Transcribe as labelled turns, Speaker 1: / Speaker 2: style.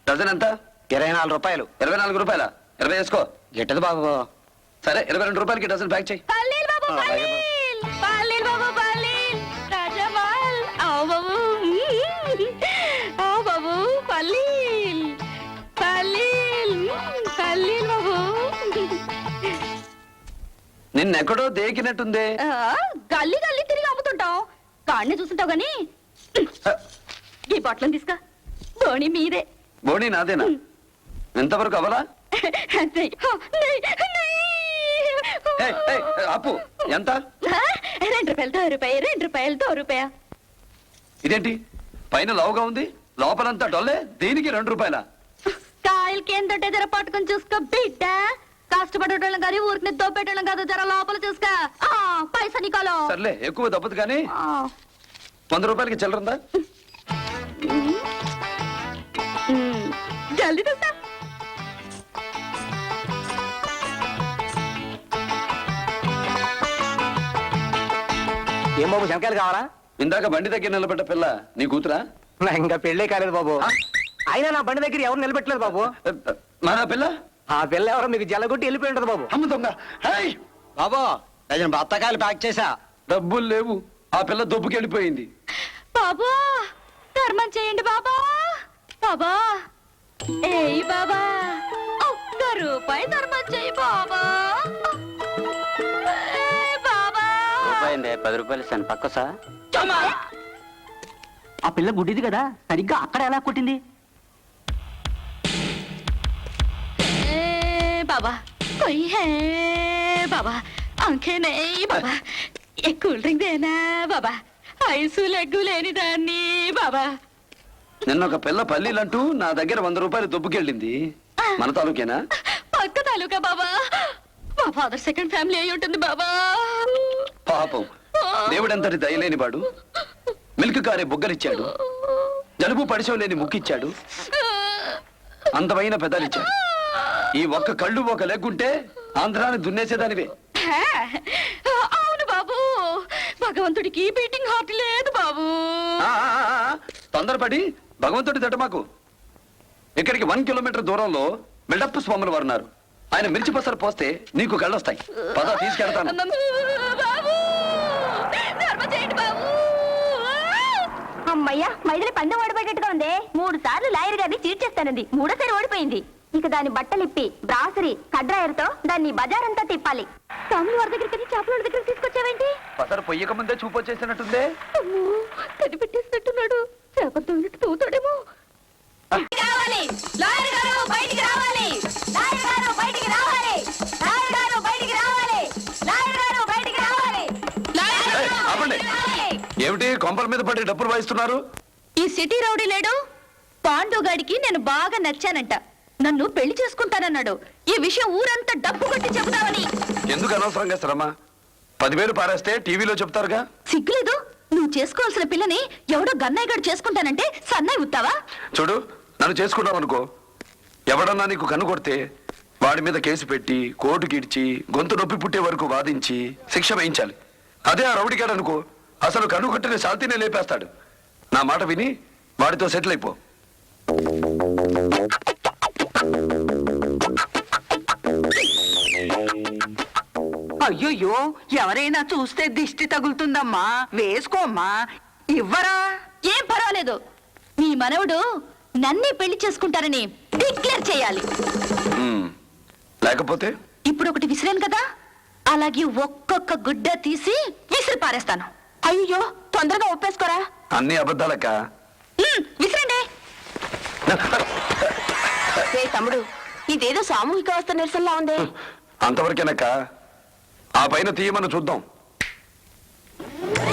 Speaker 1: Dozen ఎంత?
Speaker 2: 24 రూపాయలు.
Speaker 1: 24 రూపాయల? 20 వేసుకో.
Speaker 2: గిట్టదు బాబు.
Speaker 1: సరే 22 రూపాయలకి డజన్ ప్యాక్ చేయి.
Speaker 3: పల్లీలు బాబు, పల్లీలు. పల్లీలు బాబు, పల్లీలు. రాజమాల్. ఆవు బాబు. ఆవు బాబు, పల్లీలు. పల్లీలు. పల్లీలు బాబు.
Speaker 1: నిన్నెక్కడో దేకినట్టుందే.
Speaker 3: గల్లీ గల్లీ తిరిగి అమ్ముతుంటావు. కాడిని చూస్తుంటావు గాని ఈ బట్టలను తీసుకా. బోణి మీదే.
Speaker 1: బోణి నాదేనా? ఎంతవరకు అవలా? అప్పు ఎంత?
Speaker 3: 2 రూపాయలతో రూపాయి, 2 రూపాయలతో రూపాయ.
Speaker 1: ఇదేంటి పైన లావుగా ఉంది, లోపలంతా డొల్లే? దీనికి 2 రూపాయల?
Speaker 3: కాయలకి ఏంటంటే జర పట్టుకొని చూసుకో బిడ్డ. కష్టపడేటోళ్ళం కానీ ఊరికి దోపేటోళ్ళం కాదు. జర లోపల చూసుకో. పైసా నీకోలో.
Speaker 1: సర్లే, ఎక్కువ దప్పదు కానీ 100 రూపాయలకి చిల్లరుందా?
Speaker 3: జల్దీ చూస్తా.
Speaker 2: ఏం బాబు, శంకాయలు కావాలా?
Speaker 1: ఇందాక బండి దగ్గర నిలబడ్డ పిల్ల నీ కూతురా?
Speaker 2: నా ఇంకా పెళ్ళే కాలేదు బాబు. అయినా నా బండి దగ్గర ఎవరు నిలబెట్టలేదు బాబు.
Speaker 1: మన పిల్ల?
Speaker 2: ఆ పిల్ల ఎవరో మీకు జల్లగొట్టి వెళ్ళిపోయి ఉంటది బాబు.
Speaker 1: అమ్మ దొంగ.
Speaker 2: బాబు, డజన్ బత్తకాయలు ప్యాక్ చేసా.
Speaker 1: డబ్బులు లేవు. ఆ పిల్ల దొబ్బుకెళ్ళిపోయింది.
Speaker 3: బాబా ధర్మం చేయండి బాబా. బాబా ఏయ్ బాబా, 1 రూపాయి ధర్మం చేయి బాబా. బాబా
Speaker 2: 10 రూపాయలు ఇస్తాను పక్క సార్. ఆ పిల్ల గుడ్డిది కదా, సరిగ్గా అక్కడ ఎలా కొట్టింది?
Speaker 3: బాబా कोई है बाबा, आंखें नहीं बाबा, एक కూల్ డ్రింక్ దేనా బాబా. ఐసు లెగ్గు లేని దాన్ని బాబా.
Speaker 1: నిన్న ఒక పిల్ల పల్లీలంటూ నా దగ్గర 100 రూపాయలు దొబ్బుకెళ్ళింది. మన తాలూకేనా?
Speaker 3: పక్క తాలూకా బాబా. మా ఫాదర్ సెకండ్ ఫ్యామిలీ అయి ఉంటుంది బాబా.
Speaker 1: పాపం, దేవుడంతటి దయలేని వాడు మిల్క్ కారే బుగ్గలిచ్చాడు, జలుబు పడిశం లేని ముక్కిచ్చాడు, అందమైన పెదాలిచ్చాడు. ఈ ఒక్క కళ్ళు ఒక లెగ్గుంటే ఆంధ్రాన్ని దున్నేసేదానివే.
Speaker 3: అవును బాబు, భగవంతుడికి బీటింగ్ హార్ట్ లేదు బాబు.
Speaker 1: తొందరపడి భగవంతుడి తట మాకు. ఇక్కడికి 1 కిలోమీటర్ దూరంలో బిల్డప్ స్వాములు వారు ఉన్నారు. ఆయన మిర్చి పసరు పోస్తే నీకు కళ్ళొస్తాయి. పద తీసుకెళ్తాను.
Speaker 4: అమ్మయ్యా, మైదిలి పందెం ఓడిపోయేట్టుగా ఉంది. 3 సార్లు లాయర్ గారిని చీట్ చేస్తానంది. 3ఓసారి ఓడిపోయింది. ఇక దాని బట్టలిప్పి బ్రాసరీ కడ్రాయర్తో దాన్ని బజారంతా తిప్పాలి. తమ్ముడు వారి దగ్గరికి చేపల దగ్గర తీసుకొచ్చావేంటి?
Speaker 1: పసరు పొయ్యక ముందే చూపొచ్చేసినట్టుందే.
Speaker 3: కనిపెట్టేసినట్టున్నాడు. చేపలతో తూతాడేమో.
Speaker 4: రావాలి లాయర్ గారు, బయటికి రావాలి. లాయర్ గారు బయటికి రావాలి. లాయర్ గారు బయటికి రావాలి. లాయర్ గారు బయటికి రావాలి.
Speaker 1: ఆపండి. ఏమిటి కొంపల మీద పడి డబ్బులు వాయిస్తున్నారు?
Speaker 3: ఈ సిటీ రౌడీ లేడు పాండుగాడికి నేను బాగా నచ్చానంట. నన్ను పెళ్లి చేసుకుంటానన్నాడు. ఈ విషయం ఊరంతా డబ్బు కొట్టి చెబుతావని.
Speaker 1: ఎందుకు అనవసరంగా శ్రమ? 10,000 పారేస్తే టీవీలో చెప్తారుగా.
Speaker 3: సిగ్గులేదు? నువ్వు చేసుకోవాల్సిన పిల్లని ఎవడో గన్నయ్య గారు చేసుకుంటానంటే సన్నాయి ఉత్తావా?
Speaker 1: చూడు, నన్ను చేసుకున్నావు అనుకో, ఎవడన్నా నీకు కన్ను కొడితే వాడి మీద కేసు పెట్టి కోర్టుకి ఇడ్చి గొంతు నొప్పి పుట్టే వరకు వాదించి శిక్ష వేయించాలి. అదే ఆ రౌడిగాడు అనుకో, అసలు కన్ను కొట్టిన శాంతినే లేపేస్తాడు. నా మాట విని వాడితో సెటిల్ అయిపో.
Speaker 5: అయ్యో, ఎవరైనా చూస్తే దిష్టి తగులుతుందమ్మా. వేసుకోమ్మా. ఇవ్వరా?
Speaker 3: ఏం పర్వాలేదు. మీ మనవడు నన్నే పెళ్లి చేసుకుంటారని డిక్లేర్ చేయాలి.
Speaker 1: లేకపోతే
Speaker 3: ఇప్పుడు ఒకటి విసిరాను కదా, అలాగే ఒక్కొక్క గుడ్డ తీసి విసిరి పారేస్తాను.
Speaker 4: అయ్యో, తొందరగా ఒప్పేసుకోరా.
Speaker 1: అన్ని అబద్ధాలక్క.
Speaker 3: విసిరండి.
Speaker 4: తమ్ముడు, ఇదేదో సామూహిక అవస్థ నిరసనలా ఉంది.
Speaker 1: అంతవరకేనక్క. ఆ పైన తీయమని చూద్దాం.